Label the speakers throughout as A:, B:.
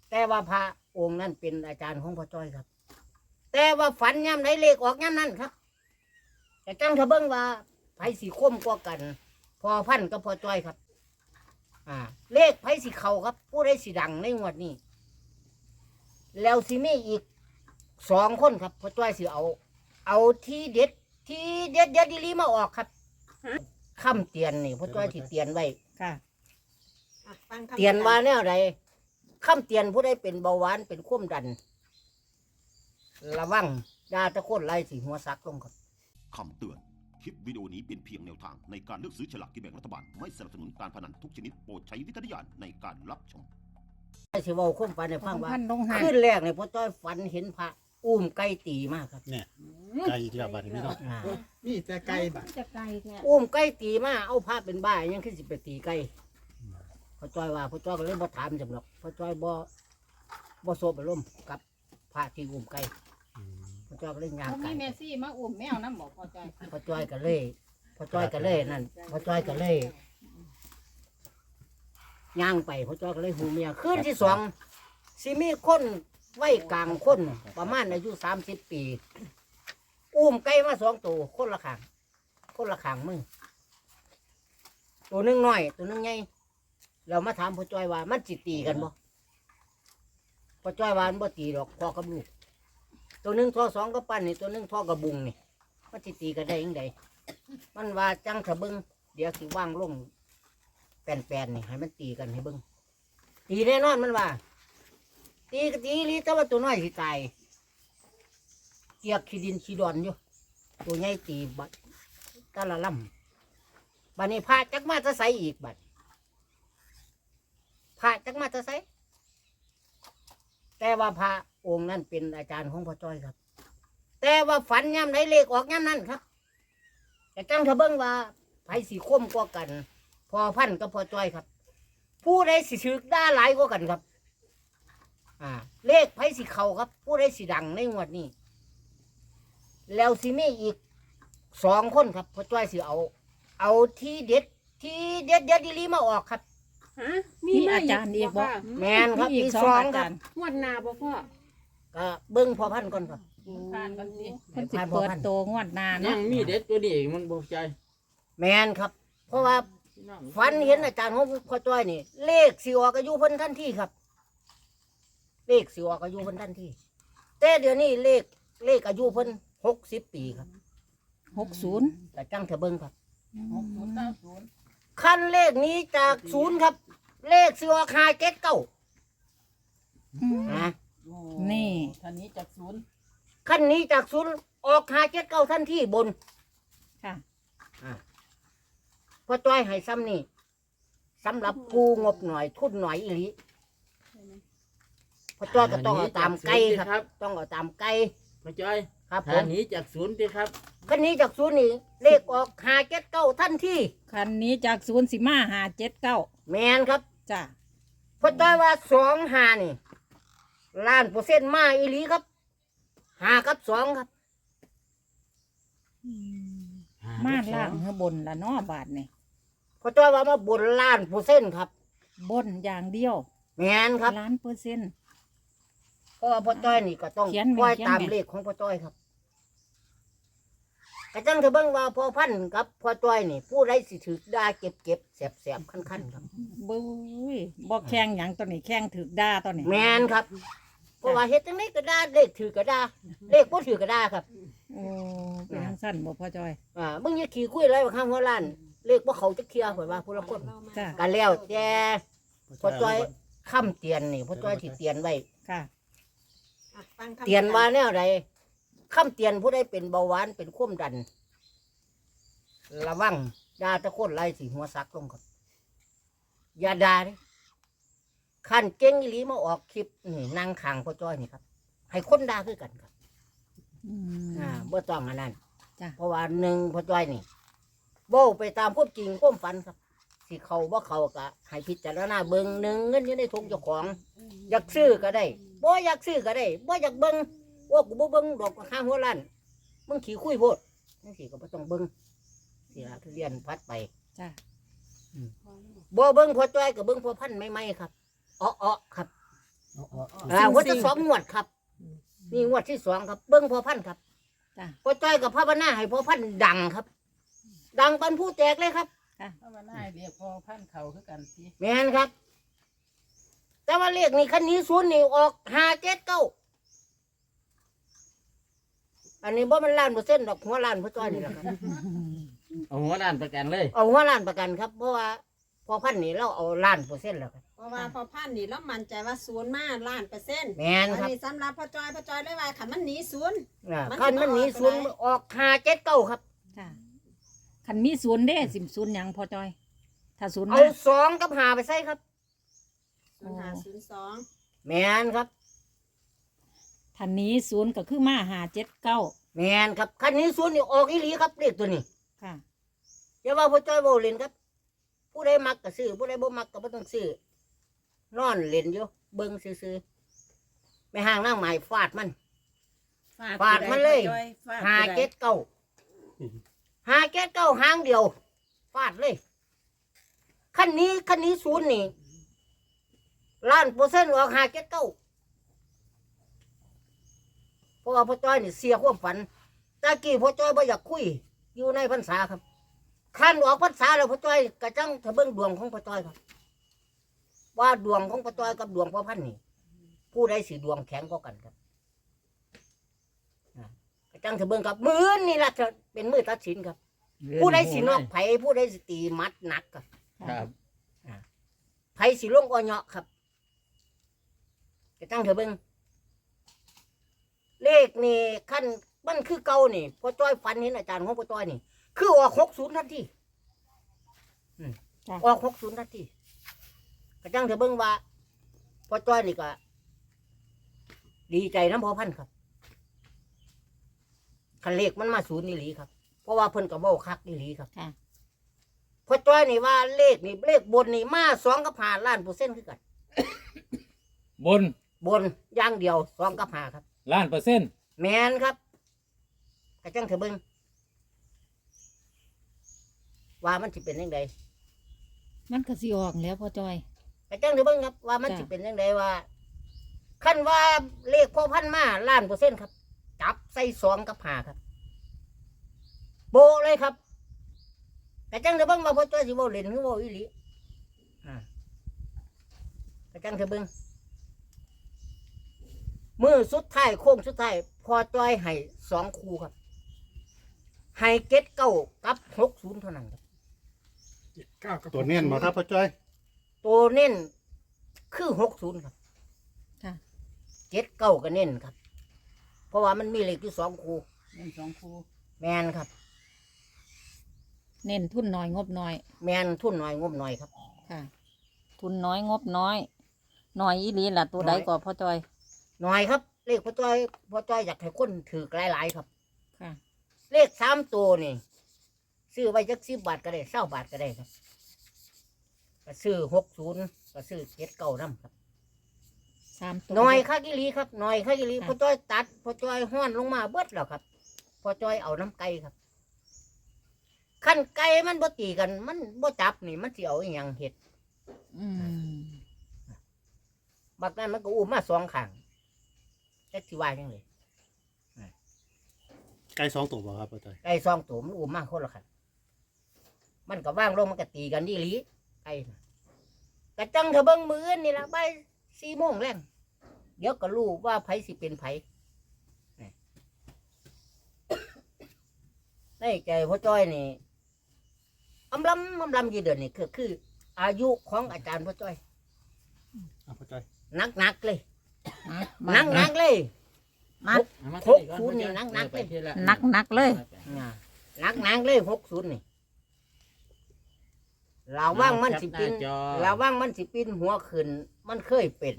A: แต่ว่าพระองค์นั้นเป็นอาจารย์ของพ่อจ้อยครับ แต่ว่าฝันย่ำไหนเลขออกย่ำนั้นครับแต่จังทะเบิ้งว่าไผสีคมกว่ากัน พอพันกับพ่อจ้อยครับเลขไผสีเขาครับ ผู้ใดสีดังในงวดนี้แล้วสิมีอีก2 คนครับพ่อจ้อยสิเอาที่เด็ดดีลีมาออกครับคำเตียนนี่พ่อจ้อยที่เตียนไว้
B: ค่ะ
A: เตียนว่าแนวใดคำเตียนผู้ใดเป็นเบาหวานเป็นความดันระวังดาตะโคนไล่สีหัวซักลงครับ
C: คำเตือน คลิปวิดีโอนี้เป็นเพียงแนวทางในการเลือกซื้อฉลากกินแบ่งรัฐบาล ไม่สนับสนุนการพนันทุกชนิดโปรดใช้วิจารณญาณในการรับชม
A: สิเว้าความฝันให้ฟังว่า
B: พันลงหา
A: ขึ้นแรกเนี่ยพ่อจ้อยฝันเห็นพระอุ้มไก่ตีมากครับ
D: เนี่ยไก่อีกแล้วบัดนี้พี่น้อง
E: นี่แต่ไก่บัด
B: จะไกลแท้
A: อุ้มไก่ตีมาเอาพระเป็นบ้ายังขึ้นสิไปตีไก่พ่อจ้อยว่าพ่อจ้อยก็เลยบ่ถามจำหรอกพ่อจ้อยบ่โซบอารมณ์กับพระที่อุ้มไก่พ่อจ้อยก็เลยย่าง
B: เขา
A: ไก่
B: มีเมซี่มาอุ้มแมวน้ำบอกพอใจ
A: พ่อจ้อยก็เลยนั่นพ่อจ้อยก็เลยย่างไปพ่อจ้อยก็เลยหูเมียคืนที่2สิมีคนไว้กลางคนประมาณอายุ30 ปีอุ้มไก่มา2 ตัวคนละข้างมือตัวหนึงน้อยตัวหนึงใหญ่เรามาถามพ่อจ้อยว่ามันจิตีกันบ่พ่อจ้อยว่ามันบ่ตีดอกพ่อกับลูกตัวหนึงท่อ2กับปั้นนี่ตัวหนึงท่อกับบุงนี่มันจิตีกันได้ยังไงมันว่าจังทะเบิงเดี๋ยวสิว่างลงแป้นๆนี่ให้มันตีกันให้เบิงตีแน่นอนมันว่าตีก็ตีลีแต่ว่าตัวน้อยสิตายเกียกขี้ดินขี้ดอนอยู่ตัวใหญ่ตีบัดตะละล่ำบัดนี้พาจักมาจะใส่อีกบัดพาจักมาจะใส่แต่ว่าพระองค์นั้นเป็นอาจารย์ของพ่อจ้อยครับ แต่ว่าฝันย่ำไหนเลขออกย่ำนั้นครับแต่จังทะเบิ้งว่าไผสีคมกว่ากัน พอพันกับพ่อจ้อยครับ ผู้ใดสิถือได้หลายกว่ากันครับเลขไผสีเขาครับ ผู้ใดสีดังในงวดนี้แล้วสิมีอีก2 คนครับพ่อจ้อยสิเอาที่เด็ดดีลีมาออกครับ
F: ฮะ
B: มีอาจารย์อีกบ่
A: แมนครับ
B: อีก
A: มี
B: 2
A: 2
B: อา
A: ค
B: จา
A: รับ
B: รย์
F: งวดหน้าบ่พ่อ
A: ก็เบิ้งพอพันก่อนครับ
B: ผ่านกันสิ
A: ให้
B: เพิ่นสิ
A: ผ่านบ่
B: เปิด
A: ทัน
B: โตงวดหน้า
E: ยั
B: เนาะ
E: งมีเด็ดตัวนี้อีกมันบอกใจ
A: แมนครับ เพราะว่าฝันเห็นอาจารย์ของพ่อจ้อยนี่ เลขสิออกอายุเพิ่นทันทีครับ เลขสิออกอายุเพิ่นทันทีแต่เดี๋ยวนี้เลขอายุเพิ่น60 ปีครับ
B: 60
A: แต่จังเถอะเบิ้งครับ
B: 60
A: ขั้นเลขนี้จาก0ครับ เลขสิออก579นะ
B: นี่
E: ท่านนี้จากศูนย์
A: ขั้นนี้จาก0ออก579ทันทีบน
B: ค่ะ
A: พ่อจ้อยให้ซ้ำนี่สำหรับผู้งบหน่อยทุนหน่อยอีหลีพ่อจ้อยก็ต้องเอาตามไก่ครับ ต้องเอาตามไก่
E: พ่อจ้อย
A: ครับผ
E: ท่าม นนี้จากศูนย์ดิครับ
A: คันนี้จาก0นี่เลขออก579ทันที
B: คันนี้จาก0สิมา579
A: แมนครับ
B: จ้ะ
A: พ่อจ้อยว่า25นี่1,000,000%มาอีหลีครับ5กับ2ครับ
B: มาล่างเฮือบนละเนาะบาทนี่
A: พ่อจ้อยว่ามาบน1,000,000%ครับ
B: บนอย่างเดียว
A: แมนครับ
B: 1,000,000%
A: เพราะว่าพ่อจ้อยนี่ก็ต้อง
B: เขียนแม่น
A: ปล่อย
B: เขียน
A: ตาม
B: แม่น
A: เลขของพ่อจ้อยครับกระจังเถอะเบิ่งว่าพ่อพันธุ์กับพ่อจ้อยนี่ ผู้ใดสิถือได้เก็บแสบคันๆครับ
B: บุ้ยบ่แข่งหยังตัวนี้แข่งถึกด่าตัวนี้
A: แมนครับ เพราะว่าเฮ็ดจังไดก็ได้เลขถือก็ได้เลขบ่ถือก็ได้ครับ
B: โอ้เป็นจังซั่นบ่พ่อจอย
A: มึงอย่าขี้คุยอะไรว่าข้างหัวล้าน เลขบ่เขาจะเคลียร์ข่อยว่าผู้ละคน
B: จ้ะ
A: กันแล้วแต่พ่อจ้อยค้ำเตียนนี่พ่อจ้อยสิเตียนไว้
B: ค่ะ
A: เตียนว่าแนวใดค้ำเตียนผู้ใดเป็นเบาหวานเป็นความดันระวังดาตะโคนไล่สิหัวซักลงครับอย่าด่าเด้ขั้นเก่งอีหลีมาออกคลิปนี่นั่งข้างพ่อจ้อยนี่ครับ ให้คนด่าคือกันครับ
B: อืม
A: บ่ต้องอันนั้น
B: จ้ะ
A: เพราะว่า1พ่อจ้อยนี่เว้าไปตามความจริงความฝันครับสิเขาบ่เขาก็ให้พิจารณาเบิ่ง1เงินอยู่ในถุงเจ้าของ อยากซื้อก็ได้บ่อยากซื้อก็ได้บ่อยากเบิ่งว่ากูบ่เบิ่งดอกข้างหัวล้านมึงขี้คุยโพดจังซี่ก็บ่ต้องเบิ่งสิล่ะทุเรียนพัดไป
B: จ้ะ
A: บ่เบิ่งพ่อจ้อยก็เบิ่งพ่อพันธุ์ใหม่ๆครับอ้อๆครับงวดที่สองงวดครับนี่งวดที่สองครับเบิ้งพอพันครับ
B: จ้ะ
A: พอจ้อยกับพระบรรณาให้พอพันดังครับ ดังปันผู้แตกเลยครับ
E: เพราะว่าน่าเรียกพอพันเขาคือกันสิ
A: แม่นครับ แต่ว่าเลขนี่คันนี้ศูนย์นี่ออก579อันนี้บ่มัน1,000,000%ดอกหัวล้านพอจ้อยนี่แหละครับ
E: เอาหัวด้านประกันเลย
A: เอาหัวล้านประกันครับเพราะว่าพอพันนี่เราเอา1,000,000%แล้วครับ
F: เพราะว่าพอพันนี่เรามั่นใจว่าศูนย์มา1,000,000%
A: แม่น
F: อัน
A: ครับ
F: นี้สำหรับพ่อจอยเลยว่าขันมันหนีศูนย์ มัน
A: คันมันหนี
F: สิ
A: ศูนย์
F: ออก
A: ออก579ครับ
B: ค่ะคันมีศูนย์เด้สิศูนย์หยังพอจอย ถ้าศูนย์
A: เอา
B: มา
A: 2กับ5ไปใส่ครับ
F: 0502
A: แม่นครับ
B: ทันนี้ศูนย์ก็คือมา579
A: แม่นครับคันนี้ศูนย์นี่ออกอีหลีครับเลขตัวนี้
B: ค่ะ
A: อย่าว่าพ่อจ้อยบ่เล่นครับ ผู้ใดมักก็ซื้อผู้ใดบ่มักก็บ่ต้องซื้อนอนเล่นอยู่เบิ่งซื่อๆไม่ห่างนางหมายฟาดมัน ฟาดมันเลย579หางเดียวฟาดเลยคันนี้ศูนย์นี่1,000,000%ออก579เพราะว่าพ่อจ้อยนี่เสียความฝันตะกี้พ่อจ้อยบ่อยากคุยอยู่ในพรรษาครับคันออกพรรษาแล้วพ่อจ้อยกระจังถ้าเบิ่งดวงของพ่อจ้อยครับ ว่าดวงของพ่อจ้อยกับดวงพ่อพันธุ์นี่ผู้ใดสิดวงแข็งกว่ากันครับกระจังถ้าเบิ่งครับมื้อนี่ล่ะจะเป็นมื้อตัดสินครับ ผู้ใดสินอกไผผู้ใดสิตีมัดหนักครับ
E: ครับ
A: ไผสิลงอ้อเหาะครับกระจังถ้าเบิ่งเลขนี่ขั้นมันคือเก่านี่พ่อจ้อยฝันเห็นอาจารย์ของพ่อจ้อยนี่ คือออก60ทันที
B: จ้ะ
A: ออก60ทันทีกระจังเถอะเบิ่งว่าพ่อจ้อยนี่ก็ดีใจน้ำพ่อพันธุ์ครับคันเลขมันมาศูนย์นี่หลีครับ เพราะว่าเพิ่นก็เว้าคักนี่หลีครับ
B: ค่ะ
A: พ่อจ้อยนี่ว่าเลขนี่เลขบนนี่มา2กับ5ล้านเปอร์เซ็นต์คือกัน
G: บน
A: บนอย่างเดียว2กับ5ครับ
G: 1,000,000%
A: แม่นครับกระจังเถอะเบิ่งว่ามันสิเป็นจังได
B: มันก็สิออกแล้วพอจอย
A: กระจังเถอะเบิ่งครับว่ามัน
B: จ้ะ
A: สิเป็นจังไดว่าคันว่าเลขพ่อพันธุ์มาล้านเปอร์เซ็นต์ครับ จับใส่2กับ5ครับโบะเลยครับกระจังเถอะเบิ่งว่าพ่อจ้อยสิเว้าเล่นหรือเว้าอีหลีกระจังเถอะเบิ่งมือสุดท้ายโค้งสุดท้ายพ่อจ้อยให้2คู่ครับให้79กับ60เท่านั้นครับ
D: ตัวเน้นมาครับพ่อจ้อย
A: ตัวเน้นคือ60ครับ
B: ค่ะ
A: 79ก็เน้นครับ เพราะว่ามันมีเลขที่2คู่
E: เล่น2คู่
A: แมนครับ
B: เน้นทุนน้อยงบน้อย
A: แมนทุนน้อยงบน้อยครับ
B: ค่ะ ทุนน้อยงบน้อยน้อยอีหลีล่ะตัวใดก็พอจอย
A: น้อยครับ เลขพ่อจ้อยอยากให้คนถือหลายๆครับ
B: ค่ะ
A: เลข3ตัวนี่ซื้อไว้จัก10 บาทก็ได้20 บาทก็ได้ครับก็ซื้อ60ก็ซื้อ79นำครับ
B: 3 ตัว
A: น้อยคักอีหลีครับน้อยคักอีหลี
B: ค่ะ
A: พ่อจ้อยตัดพ่อจ้อยห้อนลงมาเบิดแล้วครับพ่อจ้อยเอาน้ำไก่ครับขั้นไก่มันบ่ตีกันมันบ่จับนี่มันสิเอาอีหยังเฮ็ด
B: อืม
A: บักนั้นมันก็อุ้มมา2ข้างจักสิว่าจังได๋
D: ไก่2ตัวบ่ครับพ่อจ้อย
A: ไก่2ตัวมันอุ้มมาคนละข้างมันก็ว่างลงมันก็ตีกันอีหลีไก่น่ะกะจังเถอะเบิ่งมื้ออื่นนี่ล่ะบ่าย4 โมงแรงเดี๋ยวก็รู้ว่าไผสิเป็นไผนี่ในใจพ่อจ้อยนี่อำลำอยู่เดือนนี่คืออายุของอาจารย์พ่อจ้อย
D: พ่อจ้อย
A: หนักเลย
B: มา
A: หนักเลย
B: มา
E: เอามา
A: 60นี่นักๆเลย
B: นักเลย
A: หนักเลย60นี่ระวังมันสิปินระวังมันสิปินหัวขึ้นมันเคยเป็น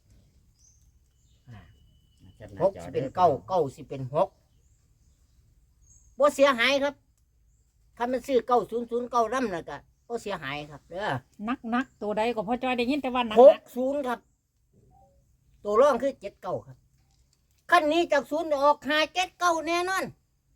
A: 6สิเป็น9สิเป็น6บ่เสียหายครับถ้ามันซื้อ9009นำน่ะก็บ่เสียหายครับเด้อ
B: นักตัวใดก็พอจอยได้ยินแต่ว่านัก
A: 60ครับ ตัวรองคือ79ครับคันนี้จาก0ออก579แน่นอน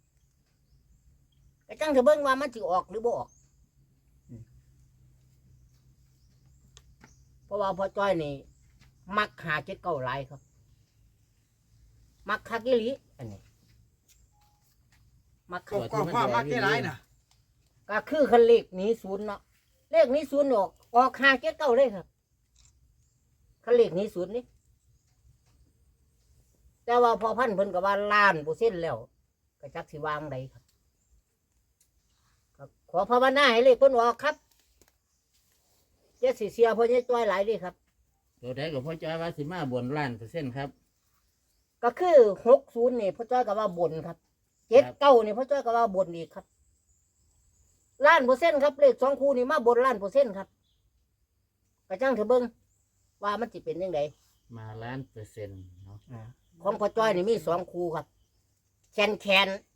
A: ก็จังเถอะเบิ่งว่ามันสิออกหรือบ่ออกเพราะว่าพ่อจ้อยนี่มักหาเจ็ดเก้าหลายครับ มักคักอีหลีอันนี้มักคัก
H: ก็พ่อมักได้หลายน่ะ
A: ก็คือคันเลขหนี้ศูนย์เนาะเลขหนี้ศูนย์ออกหาเจ็ดเก้าเลยครับคันเลขหนี้ศูนย์นี่แต่ว่าพอพันเพิ่นก็ว่าล้าน%แล้วก็จักสิวางใดครับก็ขอภาวนาให้เลขเพิ่นออกครับอย่าสิเสียเพิ่นให้จ้อยหลายเดิครับ
E: ตัวใดกับพ่อจ้อยว่าสิมาบนล้านเปอร์เซ็นต์ครับ
A: ก็คือ60นี่พ่อจ้อยก็ว่าบนครับ79นี่พ่อจ้อยก็ว่าบนอีกครับ1,000,000%ครับเลข2คู่นี่มาบน1,000,000%ครับก็จังเถอะเบิ่งว่ามันสิเป็นจังได
E: มาล้านเปอร์เซ็นต์เนาะ
A: ของพ่อจ้อยนี่มี2คู่ครับแคน